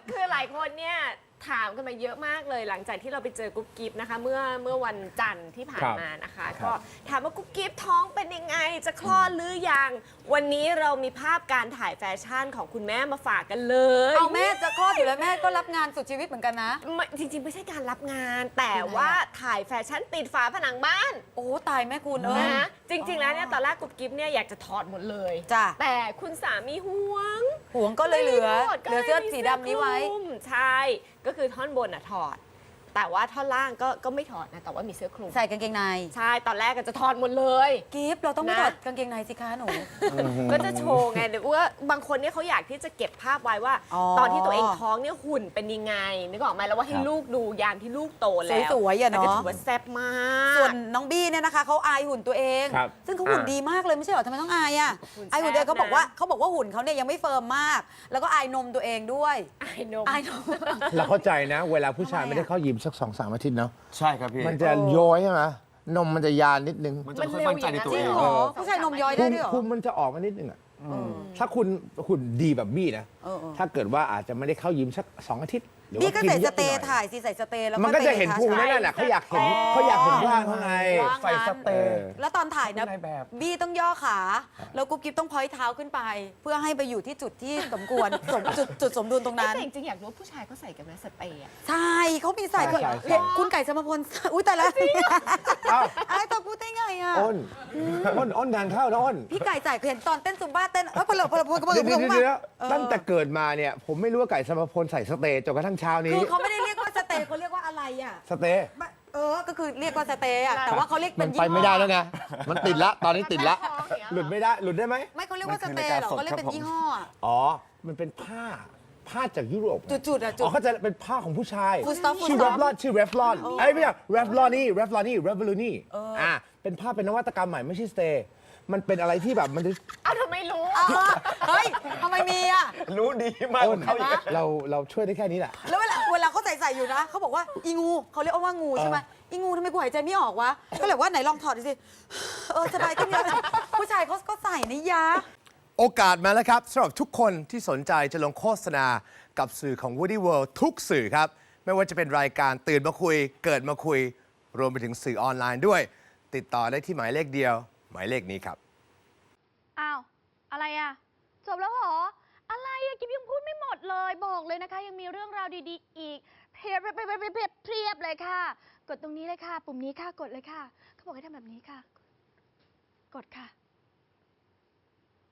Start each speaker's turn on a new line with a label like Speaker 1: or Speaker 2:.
Speaker 1: คือหลายคนเนี่ยถามกันมาเยอะมากเลยหลังจากที่เราไปเจอกุ๊บกิ๊บนะคะ เมื่อวันจันทร์ที่ผ่านมานะคะ ก็ถามว่ากุ๊บกิ๊บท้องเป็นยังไงจะคลอดหรือยังวันนี้เรามีภาพการถ่ายแฟชั่นของคุณแม่มาฝากกันเลย
Speaker 2: เอาแม่จะคลอดอยู่แล้วแม่ก็รับงานสุดชีวิตเหมือนกันนะ
Speaker 1: จริงๆไม่ใช่การรับงาน แต่ว่าถ่ายแฟชั่นติดฝาผนังบ้าน
Speaker 2: โอ้ตายแม่คุณ
Speaker 1: นะจริงๆแล้วเนี่ยตอนแรกกุ๊บกิ๊บเนี่ยอยากจะถอดหมดเลย
Speaker 2: จ้ะ
Speaker 1: แต่คุณสามีห่วง
Speaker 2: ก็เลยเหลือเสื้อสีดำนี้ไว้
Speaker 1: ใช่ก็คือท่อนบนถอดแต่ว่าท่อนล่างก็ไม่ถอดนะแต่ว่ามีเสื้อคลุม
Speaker 2: ใส่กางเกงใน
Speaker 1: ใช่ตอนแรกก็จะถอดหมดเลย
Speaker 2: กิฟต์เราต้องไม่ถอดกางเกงในสิคะหนู
Speaker 1: ก็จะโชว์ไงเดี๋ยวว่าบางคนเนี่ยเขาอยากที่จะเก็บภาพไว้ว่าตอนที่ตัวเองท้องเนี่ยหุ่นเป็นยังไงนึกออกไหมแล้วว่าให้ลูกดูยามที่ลูกโตแล้ว
Speaker 2: สวยๆอ่ะเนาะ
Speaker 1: ก็ถือว่าแซ่บมาก
Speaker 2: ส่วนน้องบี้เนี่ยนะคะเขาอายหุ่นตัวเองซึ่งเขาหุ่นดีมากเลยไม่ใช่เหรอทำไมต้องอายอ่ะอายหุ่นตัวเองเขาบอกว่าหุ่นเขาเนี่ยยังไม่เฟิร์มมากแล้วก็อายนมตัวเองด้วย
Speaker 1: อายนม
Speaker 3: เราเข้าใจนะเวลาผู้ชายไม่ได้เข้ายิมสัก2-3 อาทิตย์เนาะ
Speaker 4: ใช่ครับพี่
Speaker 3: มันจะย้อยใช่ไหมนมมันจะยานนิดนึง
Speaker 4: มันจะไม่ค่อยมั่นใจในตัวเอง
Speaker 2: ผู้ชายนมย้อยได้ด้วยเหรอ
Speaker 3: คุมมันจะออกมานิดนึงอ่ะถ้าคุณหุ่นดีแบบบี้นะถ้าเกิดว่าอาจจะไม่ได้เข้ายิมสัก2 อาทิตย์
Speaker 2: บี้ก็ใส่สเตย์ถ่ายสิใส่สเตย์แล้ว
Speaker 3: มันก็จะเห็นพุงนั่นแหละเขาอยากเห็นร่างข้างใน
Speaker 4: ใส่สเตย์
Speaker 2: แล้วตอนถ่ายนะบี้ต้องย่อขาแล้วกุ๊บกิ๊บต้องพอยเท้าขึ้นไป เพื่อให้ไปอยู่ที่จุดที่สมควรจุดสมดุลตรงนั้น
Speaker 1: แต่จริงๆอยากรู้ผู้ชายเขาใส่กันไหมสเตย์
Speaker 2: ใช่เขามีใส่คุณไก่สมพลอุ้ยแต่ละไอ้ตัวพูดได้ไงอ่ะ
Speaker 3: อ้นงานเข้านะอ้น
Speaker 2: พี่ไก่ใส่เห็นตอนเต้นซุมบ้าเต้นพล
Speaker 3: ตั้งแต่เกิดมาเนี่ยผมไม่รู้ว่าไก่สมพลใส่สเตย์จนกระทั่งเช้านี้
Speaker 2: คือเขาไม่ได้เรียกว่าสเตย์เขาเรียกว่าอะไรอ่ะ
Speaker 3: สเตย์
Speaker 2: ก็คือเรียกว่าสเตย์อ่ะแต่ว่าเขาเรียกเป็น
Speaker 3: ไปไม่ได้แล้วไงมันติดละตอนนี้ติดละหลุดไม่ได้หลุดได้ไหม
Speaker 2: ไม่เขาเรียกว่าสเตย์หรอเขาเรียกเป็นยี่ห้อ
Speaker 3: อ๋อมันเป็นผ้าจากยุโรป
Speaker 2: จุด
Speaker 3: อ๋อเขาจะเป็นผ้าของผู้ชาย
Speaker 2: ชื่อ
Speaker 3: เรฟลอนไอ้ไม่ใช่เรฟลอนนี่เป็นผ้าเป็นนวัตกรรมใหม่ไม่ใช่สเตย์มันเป็นอะไรที่แบบมัน
Speaker 1: ทำไมรู้
Speaker 2: เฮ้ยทำไมมีอ่ะ
Speaker 4: รู้ดีมาก
Speaker 3: เราช่วยได้แค่นี้แหละ
Speaker 2: แล้วเวลาเขาใส่อยู่นะเขาบอกว่าอีงูเขาเรียกว่างูใช่ไหมอีงูทำไมกูหายใจไม่ออกวะก็เลยว่าไหนลองถอดดูสิสบายขึ้นเยอะผู้ชายเขาก็ใส่นี่ยะ
Speaker 3: โอกาสมาแล้วครับสำหรับทุกคนที่สนใจจะลงโฆษณากับสื่อของ Woody World ทุกสื่อครับไม่ว่าจะเป็นรายการตื่นมาคุยเกิดมาคุยรวมไปถึงสื่อออนไลน์ด้วยติดต่อได้ที่หมายเลขเดียวหมายเลขนี้ครับ
Speaker 5: อ้าวอะไรอ่ะจบแล้วเหรออะไรอ่ะกิ๊บยังพูดไม่หมดเลยบอกเลยนะคะยังมีเรื่องราวดีๆอีกเพียบเลยค่ะกดตรงนี้เลยค่ะปุ่มนี้ค่ะกดเลยค่ะเขาบอกให้ทำแบบนี้ค่ะกดค่ะ